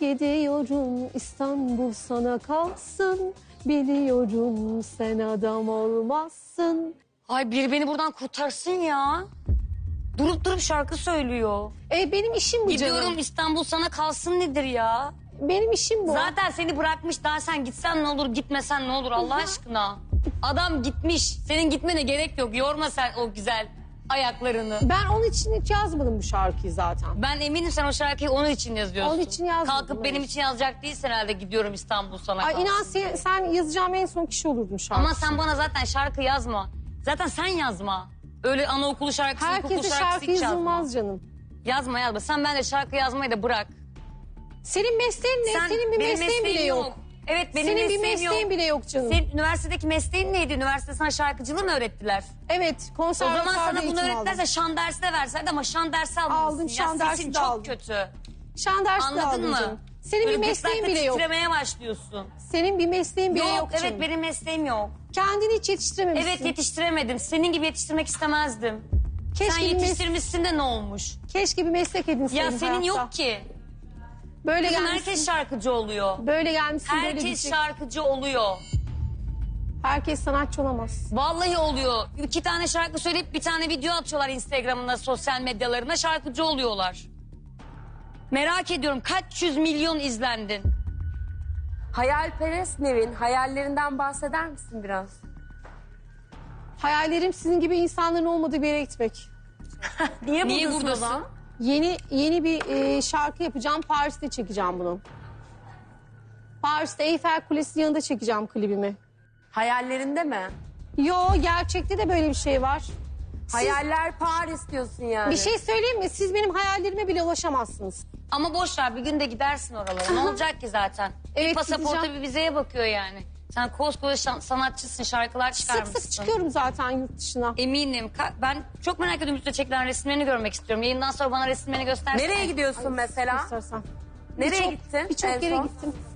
gidiyorum, İstanbul sana kalsın. Biliyorum sen adam olmazsın. Ay biri beni buradan kurtarsın ya. Durup durup şarkı söylüyor. Benim işim bu Gidiyorum canım. İstanbul sana kalsın nedir ya? Benim işim bu. Zaten seni bırakmış, daha sen gitsen ne olur, gitmesen ne olur Allah aşkına. Adam gitmiş, senin gitmene gerek yok. Yorma sen o güzel ayaklarını. Ben onun için hiç yazmadım bu şarkıyı zaten. Ben eminim sen o şarkıyı onun için yazıyorsun. Onun için yazmadım, Kalkıp benim evet. için yazacak değilsin herhalde, gidiyorum İstanbul sana kalsın. Ay inan sen yazacağım en son kişi olurdun şarkı. Ama sen bana zaten şarkı yazma. Zaten sen yazma. Öyle anaokulu şarkısı, ilkokul Herkese şarkısı şarkı hiç yazma. yazılmaz canım. Yazma. Sen bence şarkı yazmayı da bırak. Senin mesleğin ne? Senin bir benim mesleğin bile yok. Evet benim Senin bir mesleğim yok. mesleğin bile yok canım. Senin üniversitedeki mesleğin neydi? Üniversitede sana şarkıcılığı mı öğrettiler? Evet, O konservatuvarda zaman sana bunu eğitim öğrettilerse aldım. şan dersi de verselerdi ama şan dersi almamışsın. Aldım, şan dersi sesin de çok aldım. kötü. Şan dersi de Anladın aldım mı? canım. Senin Böyle bir mesleğin gırtlakta bile yok. titremeye başlıyorsun. Senin bir mesleğin bile yok canım. Evet benim mesleğim yok. Kendini hiç yetiştirememişsin. Evet yetiştiremedim. Senin gibi yetiştirmek istemezdim. Keşke Sen bir yetiştirmişsin de ne olmuş? Keşke bir meslek edinseydin Ya senin hayatta. yok ki. Böyle Kızım gelmişsin. herkes şarkıcı oluyor. Böyle gelmişsin böyle Herkes gidecek. şarkıcı oluyor. Herkes sanatçı olamaz. Vallahi oluyor. 2 tane şarkı söyleyip bir tane video atıyorlar Instagram'ına, sosyal medyalarına, şarkıcı oluyorlar. Merak ediyorum kaç yüz milyon izlendin? Hayalperest Nevin, hayallerinden bahseder misin biraz? Hayallerim sizin gibi insanların olmadığı bir yere gitmek. Niye buradasın? Yeni bir şarkı yapacağım. Paris'te çekeceğim bunu. Paris'te Eyfel Kulesi yanında çekeceğim klibimi. Hayallerinde mi? Yo, gerçekte de böyle bir şey var. Hayaller Paris diyorsun yani. Bir şey söyleyeyim mi? Siz benim hayallerime bile ulaşamazsınız. Ama boş ver, bir gün de gidersin oralara. Ne olacak ki zaten? Evet, Bir pasaporta gideceğim. bir vizeye bakıyor yani. Sen koskoca sanatçısın, şarkılar çıkarmışsın. Sık sık çıkıyorum zaten yurt dışına. Eminim. Ben çok merak ediyorum üstüne çekilen resimlerini görmek istiyorum. Yayından sonra bana resimlerini göstersen. Nereye gidiyorsun mesela? İstersen. Nereye gittin Birçok en yere son? gittim.